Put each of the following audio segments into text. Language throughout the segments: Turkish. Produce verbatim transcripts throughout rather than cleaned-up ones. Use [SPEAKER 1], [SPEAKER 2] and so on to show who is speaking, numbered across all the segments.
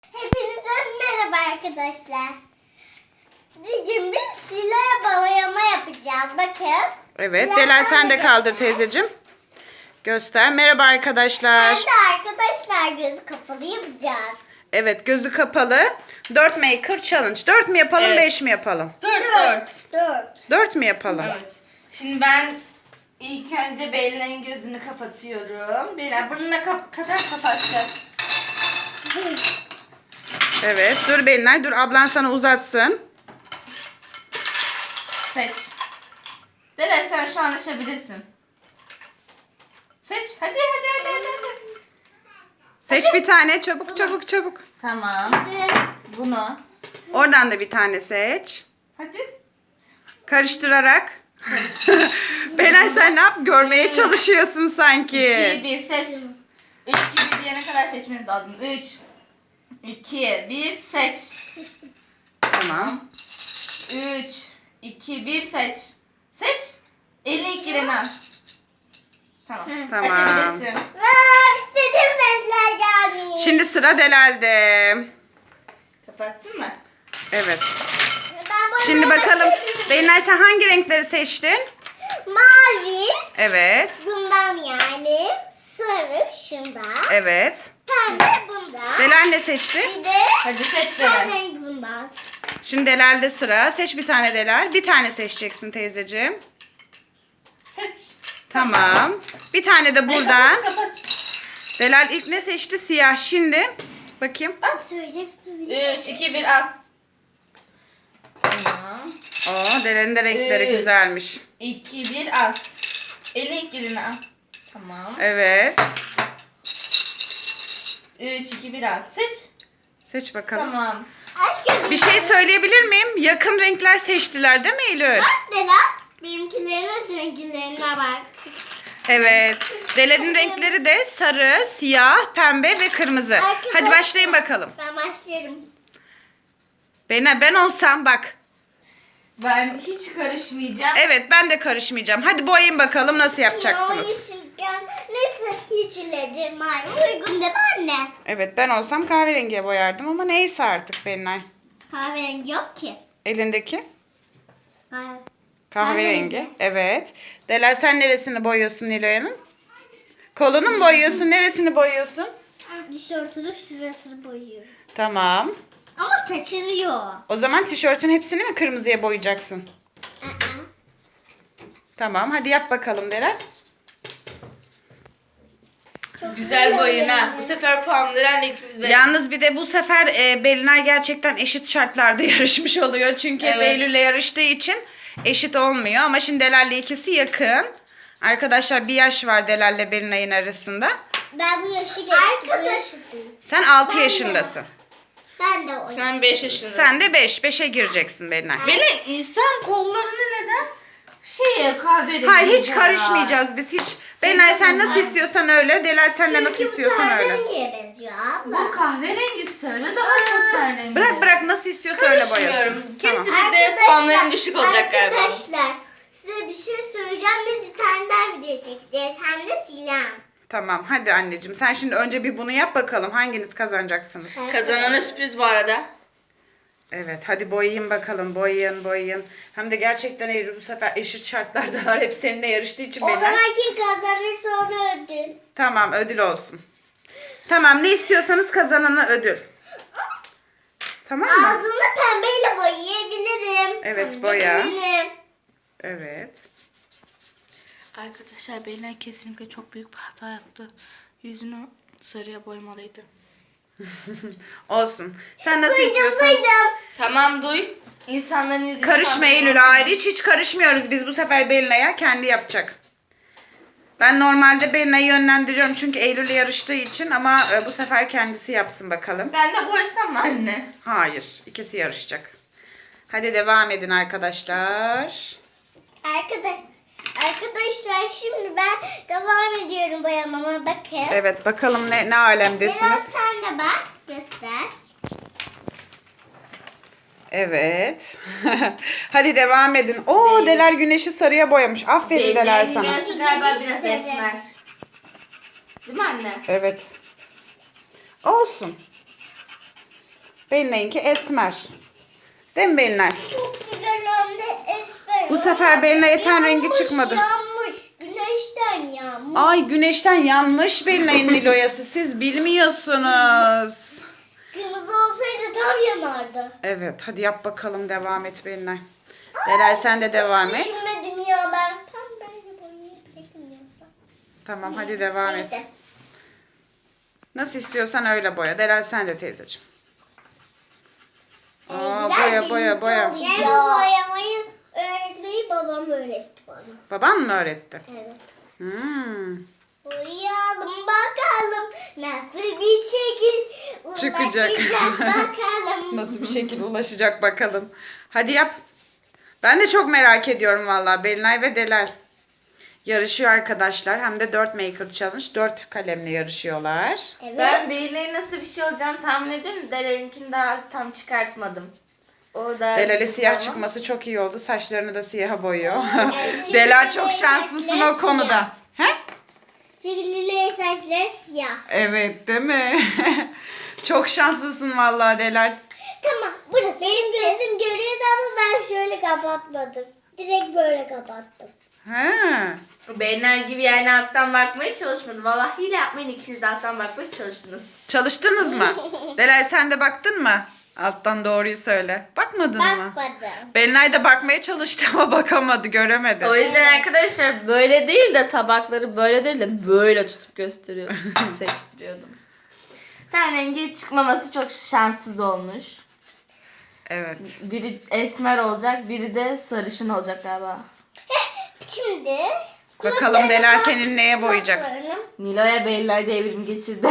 [SPEAKER 1] Hepinize merhaba arkadaşlar. Bugün biz silahla boyama yapacağız. Bakın.
[SPEAKER 2] Evet. Delal sen de kaldır teyzeciğim. Göster. Merhaba arkadaşlar.
[SPEAKER 1] Ben de arkadaşlar gözü kapalı yapacağız.
[SPEAKER 2] Evet, gözü kapalı. dört Maker Challenge. dört mü yapalım,
[SPEAKER 3] Evet.
[SPEAKER 2] beş mi yapalım?
[SPEAKER 3] Dört dört.
[SPEAKER 1] Dört.
[SPEAKER 2] dört mü yapalım?
[SPEAKER 3] Evet. Şimdi ben ilk önce Belina'nın gözünü kapatıyorum. Belina burnuna kap kadar kapatacağız.
[SPEAKER 2] Evet. Dur Belinay, dur ablan sana uzatsın.
[SPEAKER 3] Seç. Dele sen şu an açabilirsin. Seç. Hadi hadi hadi hadi. hadi.
[SPEAKER 2] Seç bir tane, çabuk çabuk çabuk.
[SPEAKER 3] Tamam.
[SPEAKER 1] Hadi.
[SPEAKER 3] Bunu.
[SPEAKER 2] Oradan da bir tane seç.
[SPEAKER 3] Hadi.
[SPEAKER 2] Karıştırarak. Belinay sen ne yap? Görmeye çalışıyorsun sanki.
[SPEAKER 3] iki, bir seç. üç gibi diyene kadar seçmeniz lazım. üç, iki, bir seç.
[SPEAKER 2] Tamam.
[SPEAKER 3] üç, iki, bir seç. Seç. Elini ilk gireni al. Tamam.
[SPEAKER 2] Tamam.
[SPEAKER 3] Açabilirsin.
[SPEAKER 1] Aa, istediğim renkler gelmiş.
[SPEAKER 2] Şimdi sıra Delal'de.
[SPEAKER 3] Kapattın mı?
[SPEAKER 2] Evet.
[SPEAKER 1] Ben boyamaya
[SPEAKER 2] Şimdi bakalım.
[SPEAKER 1] başlıyorum.
[SPEAKER 2] Belinay sen hangi renkleri seçtin?
[SPEAKER 1] Mavi.
[SPEAKER 2] Evet.
[SPEAKER 1] Bundan yani. Sarı şundan.
[SPEAKER 2] Evet.
[SPEAKER 1] Pembe bundan.
[SPEAKER 2] Delal ne seçti?
[SPEAKER 1] Bir de
[SPEAKER 3] Hadi seç Delal.
[SPEAKER 1] kahverengi bundan.
[SPEAKER 2] Şimdi Delal'de sıra. Seç bir tane Delal. Bir tane seçeceksin teyzeciğim.
[SPEAKER 3] Seç.
[SPEAKER 2] Tamam. Bir tane de buradan.
[SPEAKER 3] Kapat, kapat.
[SPEAKER 2] Delal ilk ne seçti? Siyah. Şimdi bakayım.
[SPEAKER 1] Söyle söyle.
[SPEAKER 3] üç, iki, bir al. Tamam.
[SPEAKER 2] Oo, Delal'in de renkleri
[SPEAKER 3] Evet.
[SPEAKER 2] güzelmiş.
[SPEAKER 3] iki, bir al. Elini ilk girini al. Tamam.
[SPEAKER 2] Evet.
[SPEAKER 3] üç, iki, bir al. Seç.
[SPEAKER 2] Seç bakalım.
[SPEAKER 3] Tamam.
[SPEAKER 1] Aç gözünü.
[SPEAKER 2] Bir şey söyleyebilir miyim? Yakın renkler seçtiler değil mi Eylül?
[SPEAKER 1] Bak Dela. Benimkilerine seninkilerine bak.
[SPEAKER 2] Evet. Delal'in renkleri de sarı, siyah, pembe ve kırmızı.
[SPEAKER 1] Arkadaşlar-
[SPEAKER 2] Hadi başlayın bakalım.
[SPEAKER 1] Ben başlıyorum.
[SPEAKER 2] Ben, ben olsam bak.
[SPEAKER 3] Ben hiç karışmayacağım.
[SPEAKER 2] Evet ben de karışmayacağım. Hadi boyayın bakalım nasıl yapacaksınız.
[SPEAKER 1] O yeşilken neyse hiç iledir maymun uygun değil mi anne?
[SPEAKER 2] Evet ben olsam kahverengiye boyardım ama neyse artık Belinay.
[SPEAKER 1] Kahverengi yok ki.
[SPEAKER 2] Elindeki
[SPEAKER 1] Kahve.
[SPEAKER 2] kahverengi.
[SPEAKER 1] Kahverengi.
[SPEAKER 2] Evet. Delal sen neresini boyuyorsun Nilo'yanın? Kolunu mu boyuyorsun? Neresini boyuyorsun?
[SPEAKER 1] Tişörtünün şurasını boyuyorum.
[SPEAKER 2] Tamam.
[SPEAKER 1] Ama taşınıyor.
[SPEAKER 2] O zaman tişörtün hepsini mi kırmızıya boyayacaksın?
[SPEAKER 1] Aa.
[SPEAKER 2] Tamam hadi yap bakalım Delal.
[SPEAKER 1] Çok
[SPEAKER 3] Güzel boyun ha.
[SPEAKER 1] yani.
[SPEAKER 3] Bu sefer puanları anne ikimiz verelim.
[SPEAKER 2] Yalnız bir de bu sefer e, Belinay gerçekten eşit şartlarda yarışmış oluyor. Çünkü
[SPEAKER 3] Evet.
[SPEAKER 2] Eylül'le yarıştığı için eşit olmuyor. Ama şimdi Delal'le ikisi yakın. Arkadaşlar bir yaş var Delal'le Belinay'ın arasında.
[SPEAKER 1] Ben bu yaşı geçtim. Arkadaş.
[SPEAKER 2] Sen altı
[SPEAKER 1] Ben de.
[SPEAKER 2] yaşındasın.
[SPEAKER 1] Ben de o.
[SPEAKER 3] Sen beş yaşındasın.
[SPEAKER 2] Sen de beş. beşe gireceksin Belinay.
[SPEAKER 3] Belin insan kollarını neden şey kahverengi
[SPEAKER 2] Hayır hiç
[SPEAKER 3] boyar?
[SPEAKER 2] karışmayacağız biz hiç. Belinay sen nasıl
[SPEAKER 3] bunlar.
[SPEAKER 2] istiyorsan öyle. Delal sen de nasıl
[SPEAKER 1] Çünkü bu
[SPEAKER 2] istiyorsan öyle.
[SPEAKER 1] kahverengiye benziyor abla.
[SPEAKER 3] Bu kahverengi sarı daha çok tenrengi.
[SPEAKER 2] Bırak bırak nasıl istiyorsa öyle
[SPEAKER 3] Karışmıyorum.
[SPEAKER 2] boyasın. Tamam.
[SPEAKER 3] Kesinlikle puanlarım düşük olacak galiba.
[SPEAKER 1] Arkadaşlar size bir şey söyleyeceğim. Biz bir tane daha video çekeceğiz. Hem de silah.
[SPEAKER 2] Tamam hadi anneciğim. Sen şimdi önce bir bunu yap bakalım. Hanginiz kazanacaksınız?
[SPEAKER 3] Kazanana sürpriz bu arada.
[SPEAKER 2] Evet hadi boyayın bakalım. Boyayın boyayın. Hem de gerçekten Eylül bu sefer eşit şartlardalar. Hep seninle yarıştığı için
[SPEAKER 1] O
[SPEAKER 2] Belinay.
[SPEAKER 1] zaman kim kazanırsa ona ödül.
[SPEAKER 2] Tamam ödül olsun. Tamam ne istiyorsanız kazanana ödül. Tamam mı?
[SPEAKER 1] Ağzını pembeyle boyayabilirim.
[SPEAKER 2] Evet,
[SPEAKER 1] Pembe
[SPEAKER 2] boya.
[SPEAKER 1] benim.
[SPEAKER 2] Evet.
[SPEAKER 3] Arkadaşlar Belin kesinlikle çok büyük bir hata yaptı. Yüzünü sarıya boyamalıydı.
[SPEAKER 2] Olsun. Sen nasıl
[SPEAKER 1] Duydum
[SPEAKER 2] istiyorsan.
[SPEAKER 1] duydum.
[SPEAKER 3] Tamam duy. İnsanların yüzü
[SPEAKER 2] Karışma Eylül hayır hiç hiç karışmıyoruz biz bu sefer Belinay'a kendi yapacak. Ben normalde Belinay'ı yönlendiriyorum çünkü Eylül'le yarıştığı için ama e, bu sefer kendisi yapsın bakalım.
[SPEAKER 3] Ben de boyasam mı anne?
[SPEAKER 2] Hayır ikisi yarışacak. Hadi devam edin arkadaşlar.
[SPEAKER 1] Arkadaş, arkadaşlar şimdi ben devam ediyorum boyamama. Bakın.
[SPEAKER 2] Evet bakalım ne, ne
[SPEAKER 1] Biraz
[SPEAKER 2] alemdesiniz.
[SPEAKER 1] sen de bak. Göster.
[SPEAKER 2] Evet. Hadi devam edin. Oo Delal güneşi sarıya boyamış. Aferin Delal sana.
[SPEAKER 3] Yüzü galiba biraz esmer. Değil mi anne?
[SPEAKER 2] Evet. Olsun. Belinay'ınki esmer. Değil mi Belinay?
[SPEAKER 1] Çok güzel hem de esmer.
[SPEAKER 2] Bu sefer Belinay'a ten rengi
[SPEAKER 1] Yanmış,
[SPEAKER 2] çıkmadı.
[SPEAKER 1] Yanmış. Güneşten yanmış.
[SPEAKER 2] Ay güneşten yanmış Belinay'ın Niloyası. Siz bilmiyorsunuz.
[SPEAKER 1] Kırmızı olsaydı tam yanardı.
[SPEAKER 2] Evet hadi yap bakalım, devam et Belinay. Delal sen de devam et.
[SPEAKER 1] Düşünmedim ya ben. Tam böyle boyayacaktım yoksa.
[SPEAKER 2] Tamam hadi devam et.
[SPEAKER 1] Neyse.
[SPEAKER 2] Nasıl istiyorsan öyle boya. Delal sen de teyzeciğim. Aa,
[SPEAKER 1] Benimkiler
[SPEAKER 2] boya boya
[SPEAKER 1] birinci
[SPEAKER 2] boya.
[SPEAKER 1] oluyor. Ben bu boyamayı öğretmeyi babam öğretti bana.
[SPEAKER 2] Baban mı öğretti?
[SPEAKER 1] Evet.
[SPEAKER 2] Hmm.
[SPEAKER 1] Boyayalım bakalım nasıl bir şekil
[SPEAKER 2] Çıkacak.
[SPEAKER 1] ulaşacak bakalım.
[SPEAKER 2] Nasıl bir şekilde ulaşacak bakalım. Hadi yap. Ben de çok merak ediyorum vallahi. Belinay ve Delal yarışıyor arkadaşlar. Hem de dört maker challenge. dört kalemle yarışıyorlar.
[SPEAKER 1] Evet.
[SPEAKER 3] Ben Belinay'ın nasıl bir şey olacağını tahmin ediyorum. Delal'inkini daha tam çıkartmadım. O da
[SPEAKER 2] Delal'e
[SPEAKER 3] güzel
[SPEAKER 2] siyah
[SPEAKER 3] ama-
[SPEAKER 2] çıkması çok iyi oldu. Saçlarını da siyaha boyuyor.
[SPEAKER 1] Evet.
[SPEAKER 2] Delal çok şanslısın o konuda. He?
[SPEAKER 1] Çünkü Lüle'ye saçları siyah.
[SPEAKER 2] Evet değil mi? Çok şanslısın vallahi Delal.
[SPEAKER 1] Tamam burası. Benim gözüm görüyordu ama ben şöyle kapatmadım. Direkt böyle kapattım.
[SPEAKER 2] He.
[SPEAKER 3] Belinay gibi yani alttan bakmaya çalışmadım. Vallahi hile yapmayın, ikiniz de alttan bakmaya çalıştınız.
[SPEAKER 2] Çalıştınız mı? Delal sen de baktın mı? Alttan doğruyu söyle. Bakmadın mı?
[SPEAKER 1] Bakmadım.
[SPEAKER 2] Belinay da bakmaya çalıştı ama bakamadı, göremedi.
[SPEAKER 3] O yüzden arkadaşlar böyle değil de tabakları böyle değil de böyle tutup gösteriyordum. Seçtiriyordum. Ten rengi çıkmaması çok şanssız olmuş.
[SPEAKER 2] Evet.
[SPEAKER 3] Biri esmer olacak, biri de sarışın olacak galiba.
[SPEAKER 1] Şimdi
[SPEAKER 2] Bakalım Delal tenin neye boyayacak?
[SPEAKER 1] kulaklarını
[SPEAKER 3] Nilo'ya Belinay devrim geçirdi.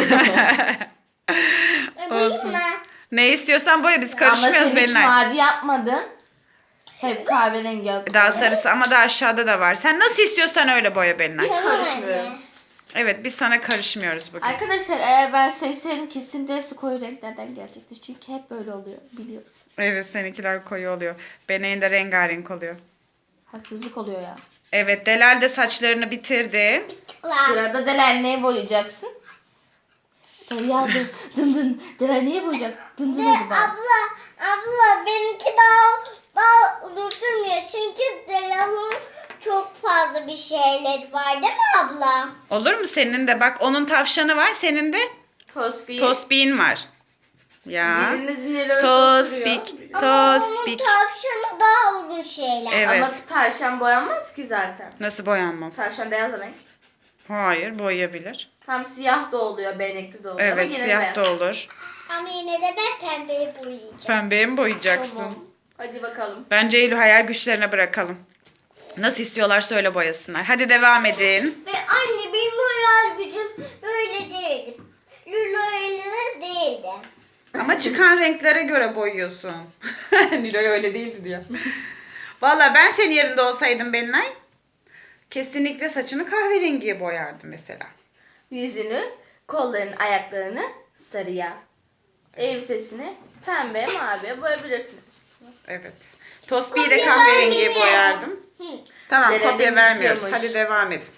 [SPEAKER 2] Olsun.
[SPEAKER 1] boyayayım mı?
[SPEAKER 2] Ne istiyorsan boya, biz
[SPEAKER 3] Ama
[SPEAKER 2] karışmıyoruz
[SPEAKER 3] sen hiç
[SPEAKER 2] Belinay.
[SPEAKER 3] mavi yapmadın. Hep kahverengi yaptın.
[SPEAKER 2] Daha sarısı ama daha aşağıda da var. Sen nasıl istiyorsan öyle boya Belinay.
[SPEAKER 3] Hiç karışmıyorum.
[SPEAKER 2] Evet biz sana karışmıyoruz bugün.
[SPEAKER 3] Arkadaşlar eğer ben seçseydim kesinlikle hepsi koyu renklerden gelecektir. Çünkü hep böyle oluyor, biliyoruz.
[SPEAKER 2] Evet seninkiler koyu oluyor. Belinay'ın da rengarenk oluyor.
[SPEAKER 3] Haksızlık oluyor ya.
[SPEAKER 2] Evet Delal de saçlarını bitirdi.
[SPEAKER 1] Kulak.
[SPEAKER 3] Sırada Delal neye boyayacaksın? Sarı dın dın dın. Delal neye boyayacak? Dın dın
[SPEAKER 1] Ve
[SPEAKER 3] hadi bak.
[SPEAKER 1] abla, abla benimki daha daha uzun sürmüyor çünkü Zelal'ın çok fazla bir şeyleri var değil mi abla?
[SPEAKER 2] Olur mu senin de? Bak onun tavşanı var, senin de
[SPEAKER 3] Tosbih.
[SPEAKER 2] tosbiğin var. Ya.
[SPEAKER 3] Biriniz Nilo'ya
[SPEAKER 2] Tospik.
[SPEAKER 1] Ama onun
[SPEAKER 2] Tospik.
[SPEAKER 1] tavşanı daha uzun şeyler.
[SPEAKER 2] Evet.
[SPEAKER 3] Ama tavşan boyanmaz ki zaten.
[SPEAKER 2] Nasıl boyanmaz?
[SPEAKER 3] Tavşan beyaz renk.
[SPEAKER 2] Hayır boyayabilir.
[SPEAKER 3] Tam siyah da oluyor, benekli de oluyor. Ama
[SPEAKER 2] Evet
[SPEAKER 3] yine
[SPEAKER 2] siyah
[SPEAKER 3] beyaz.
[SPEAKER 2] da olur.
[SPEAKER 1] Ama yine de ben pembeyi boyayacağım.
[SPEAKER 2] Pembeye mi boyayacaksın?
[SPEAKER 3] Tamam. Hadi bakalım.
[SPEAKER 2] Bence Eylül hayal güçlerine bırakalım. Nasıl istiyorlarsa öyle boyasınlar. Hadi devam edin.
[SPEAKER 1] Ve anne benim hayal gücüm böyle değildi. Lula öyle değildi.
[SPEAKER 2] Ama çıkan renklere göre boyuyorsun. Nilo'ya öyle değildi diyor. Valla ben senin yerinde olsaydım Belinay, kesinlikle saçını kahverengiye boyardım mesela.
[SPEAKER 3] Yüzünü, kollarını, ayaklarını sarıya. Elbisesini pembe, maviye boyayabilirsiniz.
[SPEAKER 2] Evet. Tosbi'yi de
[SPEAKER 1] Kopya
[SPEAKER 2] kahverengiye
[SPEAKER 1] vermeyin.
[SPEAKER 2] boyardım.
[SPEAKER 1] Hı.
[SPEAKER 2] Tamam
[SPEAKER 3] Denedim,
[SPEAKER 2] kopya vermiyoruz.
[SPEAKER 3] bitiyormuş.
[SPEAKER 2] Hadi devam edin.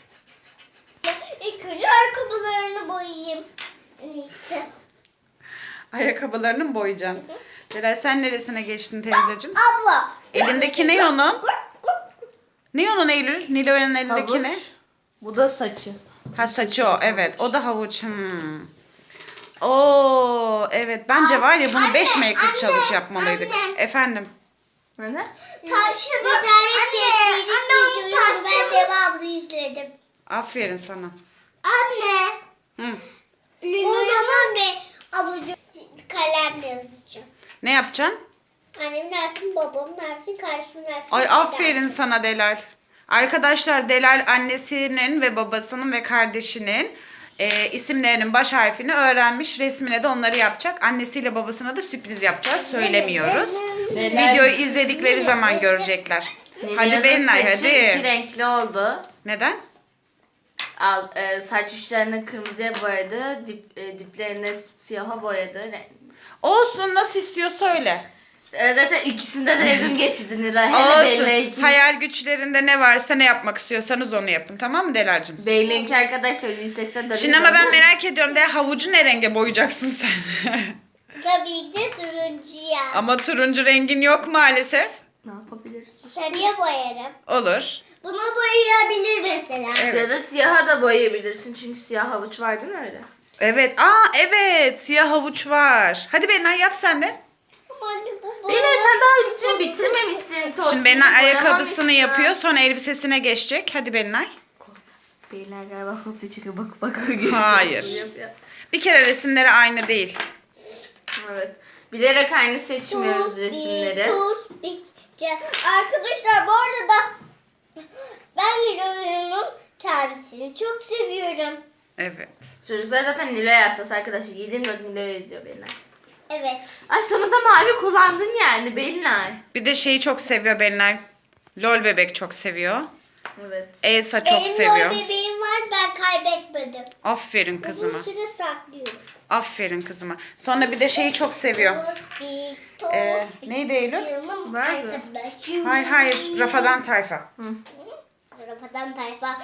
[SPEAKER 1] İlk önce ayakkabılarını boyayayım. En iyisi.
[SPEAKER 2] Ayakkabılarını mı boyayacaksın? Delal sen neresine geçtin teyzeciğim?
[SPEAKER 1] Abla.
[SPEAKER 2] Elindeki ne onun? Ne onun Eylül? Nilo'nun elindeki ne?
[SPEAKER 3] Havuç. Bu da saçı.
[SPEAKER 2] Ha saçı o evet. O da havuç. Hmm. Oo evet bence var ya bunu
[SPEAKER 1] Anne,
[SPEAKER 2] beş maker
[SPEAKER 1] anne,
[SPEAKER 2] challenge yapmalıydık.
[SPEAKER 1] anne.
[SPEAKER 2] Efendim.
[SPEAKER 3] Ne?
[SPEAKER 1] Tavşanı bir tane çektiğiniz videoyu ben devamlı izledim.
[SPEAKER 2] Aferin sana.
[SPEAKER 1] Anne.
[SPEAKER 2] Hı.
[SPEAKER 1] O zaman bir abucu kalemle yazacağım.
[SPEAKER 2] Ne yapacaksın?
[SPEAKER 1] Annem nersin, babam nersin, kardeşim nersin.
[SPEAKER 2] Ay aferin sana Delal. Arkadaşlar Delal annesinin ve babasının ve kardeşinin e, isimlerinin baş harfini öğrenmiş. Resmine de onları yapacak. Annesiyle babasına da sürpriz yapacağız. Söylemiyoruz.
[SPEAKER 3] Delal-
[SPEAKER 2] Videoyu izledikleri zaman görecekler.
[SPEAKER 3] Nilo'nun
[SPEAKER 2] Hadi Belinay
[SPEAKER 3] saçı iki
[SPEAKER 2] hadi.
[SPEAKER 3] renkli oldu.
[SPEAKER 2] Neden?
[SPEAKER 3] Al, e, saç uçlarını kırmızıya boyadı, dip, e, diplerini siyaha boyadı. Re-
[SPEAKER 2] Olsun nasıl istiyor söyle.
[SPEAKER 3] E, zaten ikisinde de evrim geçirdi Nilay. Hele Belinay'ınki.
[SPEAKER 2] Olsun. Hayal güçlerinde ne varsa ne yapmak istiyorsanız onu yapın. Tamam mı Delal'cığım?
[SPEAKER 3] Belinay'ınki arkadaşlar yüz seksen derece.
[SPEAKER 2] Şimdi ama ben merak ediyorum de havucu ne renge boyayacaksın sen?
[SPEAKER 1] Tabii ki de turuncuya.
[SPEAKER 2] Ama turuncu rengin yok maalesef.
[SPEAKER 3] Ne yapabiliriz?
[SPEAKER 1] Sarıya boyarım.
[SPEAKER 2] Olur.
[SPEAKER 1] Bunu boyayabilir mesela.
[SPEAKER 2] Evet.
[SPEAKER 3] Ya da siyaha da boyayabilirsin çünkü siyah havuç var değil mi öyle?
[SPEAKER 2] Evet. Aa evet. Siyah havuç var. Hadi Benay yap sen de.
[SPEAKER 1] Ama anne bu
[SPEAKER 3] Beyler sen daha üstünü bitirmemişsin. Tost
[SPEAKER 2] Şimdi Benay
[SPEAKER 3] gibi
[SPEAKER 2] ayakkabısını
[SPEAKER 3] boyamamışsın.
[SPEAKER 2] yapıyor. Sonra elbisesine geçecek. Hadi Benay.
[SPEAKER 3] Beyler galiba kopya çıkıyor. Bak bak.
[SPEAKER 2] Hayır. Bir kere resimleri aynı değil.
[SPEAKER 3] Evet. Bilerek aynı seçmiyoruz resimleri.
[SPEAKER 1] Arkadaşlar bu arada ben Nilo'nun kendisini çok seviyorum.
[SPEAKER 2] Evet.
[SPEAKER 3] Çocuklar zaten Nilo'ya hastası arkadaşlar. yedi dört Nilo'ya izliyor Belinay.
[SPEAKER 1] Evet.
[SPEAKER 3] Ay sonunda mavi kullandın yani Belinay.
[SPEAKER 2] Bir de şeyi çok seviyor Benay. Lol bebek çok seviyor.
[SPEAKER 3] Evet.
[SPEAKER 2] Elsa çok
[SPEAKER 1] Benim
[SPEAKER 2] seviyor.
[SPEAKER 1] Benim bebeğim var ben kaybetmedim.
[SPEAKER 2] Aferin kızıma.
[SPEAKER 1] Uzun süre saklıyorum.
[SPEAKER 2] Aferin kızıma. Sonra bir de şeyi çok seviyor.
[SPEAKER 1] Tospik,
[SPEAKER 2] Ee,
[SPEAKER 1] tospik.
[SPEAKER 2] neydi Eylül?
[SPEAKER 1] Canım
[SPEAKER 3] Var mı?
[SPEAKER 1] arkadaşım.
[SPEAKER 2] Hayır hayır. Rafadan tayfa.
[SPEAKER 1] Rafadan tayfa.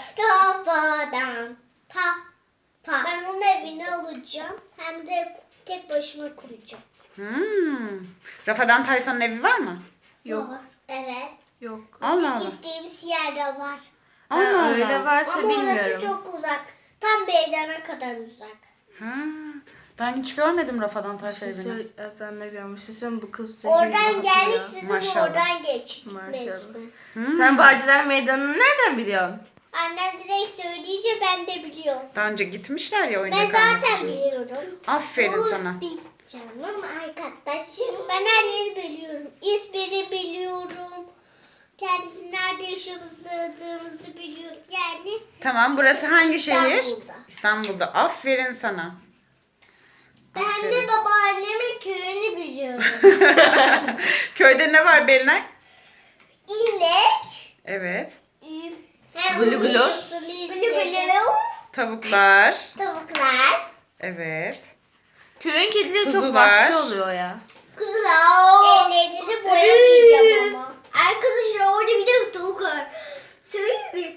[SPEAKER 1] Rafadan ta ta. Ben onun evini alacağım. Hem de tek başıma kuracağım.
[SPEAKER 2] Hmm. Rafadan tayfanın evi var mı?
[SPEAKER 3] Yok.
[SPEAKER 1] Var. Evet.
[SPEAKER 3] Yok.
[SPEAKER 2] Allah Allah.
[SPEAKER 1] Gittiğimiz yerde var.
[SPEAKER 2] Allah
[SPEAKER 3] Ha, öyle
[SPEAKER 2] Allah.
[SPEAKER 3] varsa
[SPEAKER 1] Ama
[SPEAKER 3] bilmiyorum.
[SPEAKER 1] orası çok uzak. Tam Beycan'a kadar uzak.
[SPEAKER 2] Ha. Ben hiç görmedim Rafadan tayfa
[SPEAKER 3] Bir
[SPEAKER 2] evini.
[SPEAKER 3] şey- evet, ben de görmüştüm bu kız. zehirli
[SPEAKER 1] Oradan
[SPEAKER 3] bakıyor.
[SPEAKER 1] geldik sizin
[SPEAKER 2] Maşallah.
[SPEAKER 1] oradan geç.
[SPEAKER 3] Maşallah.
[SPEAKER 2] Hmm.
[SPEAKER 3] Sen Bağcılar Meydanı'nı nereden biliyorsun?
[SPEAKER 1] Annem direkt söyleyince ben de biliyorum.
[SPEAKER 2] Daha önce gitmişler ya
[SPEAKER 1] Ben
[SPEAKER 2] oyuncak almak
[SPEAKER 1] zaten
[SPEAKER 2] için.
[SPEAKER 1] biliyorum.
[SPEAKER 2] Aferin sana.
[SPEAKER 1] Tospik canım arkadaşım. Ben her yeri biliyorum. İsmini biliyorum. Kendisi nerede yaşadığımızı biliyorum. Yani
[SPEAKER 2] Tamam burası hangi şehir?
[SPEAKER 1] İstanbul'da.
[SPEAKER 2] İstanbul'da. Aferin sana.
[SPEAKER 1] ben
[SPEAKER 2] Aferin.
[SPEAKER 1] de babaannemin köyünü biliyorum.
[SPEAKER 2] Köyde ne var Belinay?
[SPEAKER 1] İnek.
[SPEAKER 2] Evet.
[SPEAKER 3] Gulu gulu.
[SPEAKER 1] Gulu gulu.
[SPEAKER 2] Tavuklar.
[SPEAKER 1] Tavuklar.
[SPEAKER 2] Evet.
[SPEAKER 3] Köyün kedileri çok
[SPEAKER 2] Kuzular.
[SPEAKER 3] vahşi oluyor ya.
[SPEAKER 1] Kuzular. Ellerini boyamayacağım ama. Arkadaşlar orada bir de tavuk var. Söyle mi?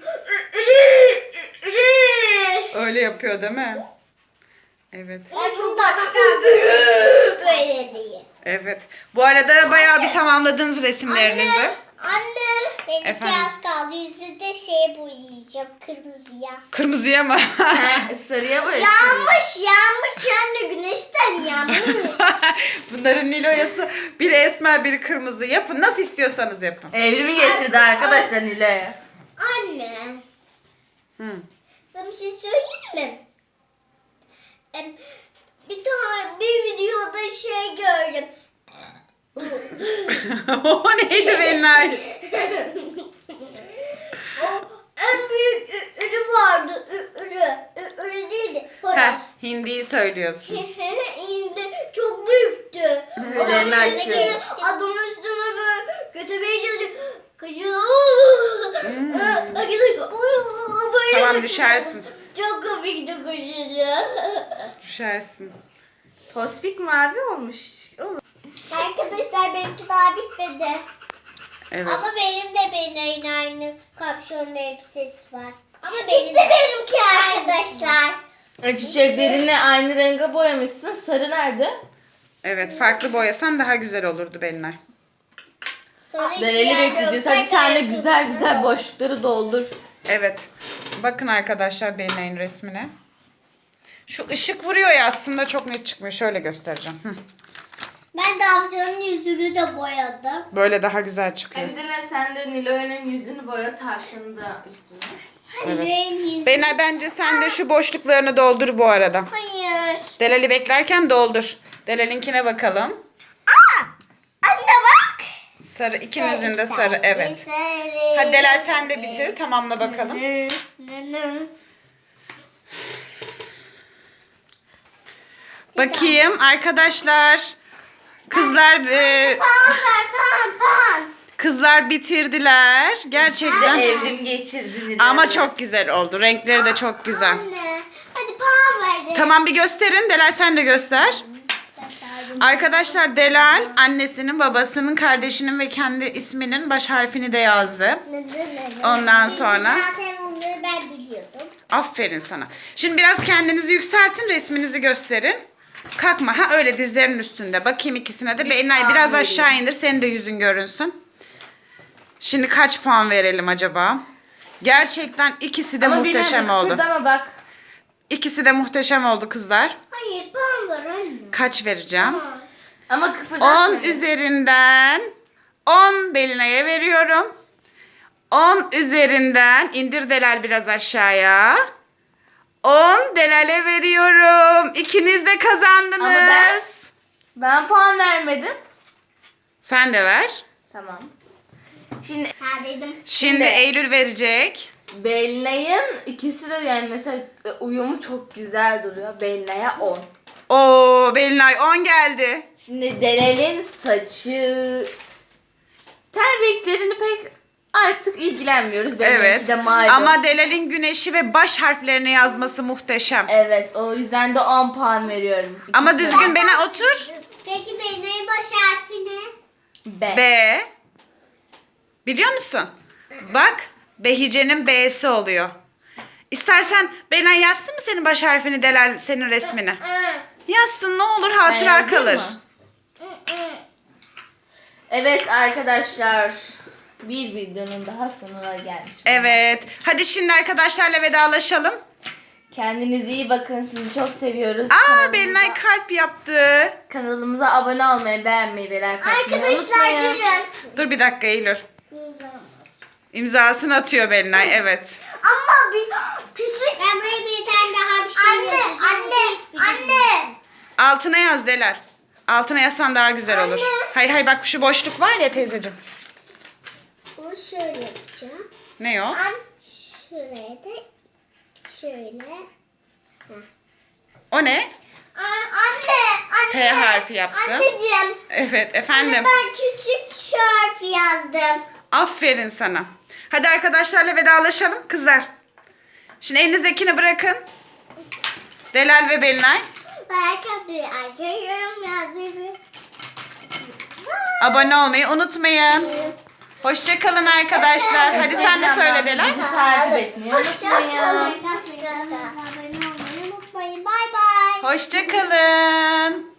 [SPEAKER 2] Öyle yapıyor değil mi? Evet.
[SPEAKER 1] Ben çok daha fazla böyle değil.
[SPEAKER 2] Evet. Bu arada bayağı bir tamamladınız resimlerinizi.
[SPEAKER 1] Anne. Benimki
[SPEAKER 2] Efendim?
[SPEAKER 1] az kaldı. Yüzünde şey boyayacağım. Kırmızıya.
[SPEAKER 2] Kırmızıya mı?
[SPEAKER 3] He, sarıya boyasın.
[SPEAKER 1] Yanmış yanmış anne güneşten yanmış.
[SPEAKER 2] Bunların Niloyası biri esmer biri kırmızı. Yapın nasıl istiyorsanız yapın.
[SPEAKER 3] Evrimi getirdi arkadaşlar Nilo'ya.
[SPEAKER 1] Anne.
[SPEAKER 2] Hı.
[SPEAKER 1] Sana bir şey söyleyeyim mi? Em, Bir tane bir videoda şey gördüm.
[SPEAKER 2] O neydi Belinay?
[SPEAKER 1] O en büyük ü- ürü vardı. Ü- Ürü. Ü- Ürü değildi.
[SPEAKER 2] Heh,
[SPEAKER 1] Horoz.
[SPEAKER 2] hindiyi söylüyorsun.
[SPEAKER 1] İndi. Çok büyüktü.
[SPEAKER 3] Tüylerini
[SPEAKER 1] Adamın üstüne
[SPEAKER 3] açıyor.
[SPEAKER 1] gelip adamın üstüne böyle götürmeye çalışıyor. Kaçıyor. Böyle
[SPEAKER 2] Tamam,
[SPEAKER 1] kaçıyor.
[SPEAKER 2] düşersin.
[SPEAKER 1] Çok komikti koşuyor.
[SPEAKER 2] Düşersin.
[SPEAKER 3] Tospik mavi olmuş. Olur.
[SPEAKER 1] Arkadaşlar benimki daha bitmedi.
[SPEAKER 2] Evet.
[SPEAKER 1] Ama benim de benim aynı kapşonlu elbisesi var. Ama benim Bitti benimki arkadaşlar.
[SPEAKER 3] E, Çiçeklerini aynı renge boyamışsın. Sarı nerede?
[SPEAKER 2] Evet, farklı boyasan daha güzel olurdu Belinay.
[SPEAKER 1] Sarı
[SPEAKER 3] Dereli
[SPEAKER 1] ihtiyacı
[SPEAKER 3] bekleyeceğiz.
[SPEAKER 1] yok.
[SPEAKER 3] Hadi sen de
[SPEAKER 1] Zaten
[SPEAKER 3] güzel
[SPEAKER 1] kızı
[SPEAKER 3] güzel
[SPEAKER 1] yok.
[SPEAKER 3] boşlukları doldur.
[SPEAKER 2] Evet. Bakın arkadaşlar Belinay'ın resmine. Şu ışık vuruyor ya aslında çok net çıkmıyor. Şöyle göstereceğim. Hı.
[SPEAKER 1] Ben de avcının yüzünü de boyadım.
[SPEAKER 2] Böyle daha güzel çıkıyor.
[SPEAKER 3] Hadi Dile sen de Nilo'nun yüzünü boya tavşanı da üstüne.
[SPEAKER 2] Evet.
[SPEAKER 1] Yüreğin yüzü.
[SPEAKER 2] Belinay bence sen de şu boşluklarını doldur bu arada.
[SPEAKER 1] Hayır.
[SPEAKER 2] Delal'i beklerken doldur. Delal'inkine bakalım.
[SPEAKER 1] Aa! Anne bak.
[SPEAKER 2] Sarı, ikinizin de
[SPEAKER 1] Sarı,
[SPEAKER 2] sarı. Evet.
[SPEAKER 1] sarı.
[SPEAKER 2] Hadi Delal sen de bitir. Tamamla bakalım.
[SPEAKER 1] Nı, nı, nı.
[SPEAKER 2] Bakayım arkadaşlar. Kızlar e,
[SPEAKER 1] Pan ver pan pan.
[SPEAKER 2] kızlar bitirdiler. Gerçekten.
[SPEAKER 3] Evrim geçirdi Nile.
[SPEAKER 2] Ama çok güzel oldu. Renkleri de çok güzel.
[SPEAKER 1] Anne. Hadi pan ver. de.
[SPEAKER 2] Tamam bir gösterin. Delal sen de göster. Arkadaşlar Delal annesinin, babasının, kardeşinin ve kendi isminin baş harfini de yazdı.
[SPEAKER 1] Nı, nı, nı, nı.
[SPEAKER 2] Ondan
[SPEAKER 1] Çünkü
[SPEAKER 2] sonra-
[SPEAKER 1] Zaten onları ben biliyordum.
[SPEAKER 2] Aferin sana. Şimdi biraz kendinizi yükseltin, resminizi gösterin. Kalkma. Ha öyle dizlerinin üstünde. Bakayım ikisine de.
[SPEAKER 3] Bir
[SPEAKER 2] Belinay
[SPEAKER 3] puan
[SPEAKER 2] biraz
[SPEAKER 3] vereyim.
[SPEAKER 2] aşağı indir. Senin de yüzün görünsün. Şimdi kaç puan verelim acaba? Gerçekten ikisi de
[SPEAKER 3] Ama
[SPEAKER 2] muhteşem
[SPEAKER 3] Belinay,
[SPEAKER 2] oldu.
[SPEAKER 3] kıpırdama bak.
[SPEAKER 2] İkisi de muhteşem oldu kızlar.
[SPEAKER 1] Hayır ben var anne.
[SPEAKER 2] Kaç vereceğim?
[SPEAKER 3] Ama kıpırdatma.
[SPEAKER 2] on üzerinden on Belinay'a veriyorum. on üzerinden indir Delal biraz aşağıya. on Delal'e veriyorum. İkiniz de kazandınız.
[SPEAKER 3] Ama ben- Ben puan vermedim.
[SPEAKER 2] Sen de ver.
[SPEAKER 3] Tamam. Şimdi
[SPEAKER 1] Ha dedim.
[SPEAKER 2] Şimdi
[SPEAKER 3] Şimdi-
[SPEAKER 2] Eylül verecek.
[SPEAKER 3] Belinay'ın ikisi de yani mesela uyumu çok güzel duruyor. Belinay'a on.
[SPEAKER 2] Oo Belinay on geldi.
[SPEAKER 3] Şimdi Delal'in saçı, ten renklerini pek artık ilgilenmiyoruz. Benimki
[SPEAKER 2] Evet.
[SPEAKER 3] de malum.
[SPEAKER 2] Ama Delal'in güneşi ve baş harflerini yazması muhteşem.
[SPEAKER 3] Evet, o yüzden de on puan veriyorum.
[SPEAKER 2] Ama
[SPEAKER 3] İkisine.
[SPEAKER 2] düzgün Bena otur.
[SPEAKER 1] Peki benim baş harfi ne?
[SPEAKER 3] B.
[SPEAKER 2] B. Biliyor musun? Bak Behice'nin B'si oluyor. İstersen Bena yazsın mı senin baş harfini Delal senin resmini?
[SPEAKER 1] Hı.
[SPEAKER 2] Yazsın ne olur
[SPEAKER 3] Ben
[SPEAKER 2] hatıra
[SPEAKER 3] yazayım
[SPEAKER 2] kalır.
[SPEAKER 3] mı? Evet arkadaşlar, bir videonun daha sonuna gelmiş.
[SPEAKER 2] Evet. Hadi şimdi arkadaşlarla vedalaşalım.
[SPEAKER 3] Kendinize iyi bakın. Sizi çok seviyoruz.
[SPEAKER 2] Aa
[SPEAKER 3] Kanalımıza-
[SPEAKER 2] Belinay kalp yaptı.
[SPEAKER 3] Kanalımıza abone olmayı, beğenmeyi ve like atmayı
[SPEAKER 1] Arkadaşlar
[SPEAKER 3] unutmayın.
[SPEAKER 1] durun.
[SPEAKER 2] Dur bir dakika Eylül. İmzasını atıyor Belinay evet.
[SPEAKER 1] Ama bir küçük. Ben buraya bir tane daha bir şey anne, yazacağım. Anne, anne, anne.
[SPEAKER 2] Altına yaz Delal. Altına yazsan daha güzel olur.
[SPEAKER 1] Anne.
[SPEAKER 2] Hayır hayır bak şu boşluk var ya teyzeciğim.
[SPEAKER 1] Bunu şöyle yapacağım.
[SPEAKER 2] Ne o?
[SPEAKER 1] An şuraya da şöyle.
[SPEAKER 2] O ne?
[SPEAKER 1] Aa, anne, anne.
[SPEAKER 2] P harfi yaptın.
[SPEAKER 1] Anneciğim.
[SPEAKER 2] Evet efendim.
[SPEAKER 1] Anne ben küçük şu harfi yazdım.
[SPEAKER 2] Aferin sana. Hadi arkadaşlarla vedalaşalım kızlar. Şimdi elinizdekini bırakın. Delal ve Belinay.
[SPEAKER 1] Like atmayı, aşağı yorum yazmayı.
[SPEAKER 2] Abone olmayı unutmayın. Hoşçakalın arkadaşlar. Hadi sen de söyle Delal.
[SPEAKER 3] Bizi takip etmeyi unutmayın.
[SPEAKER 1] Abone olmayı unutmayın. Bye bye.
[SPEAKER 2] Hoşçakalın.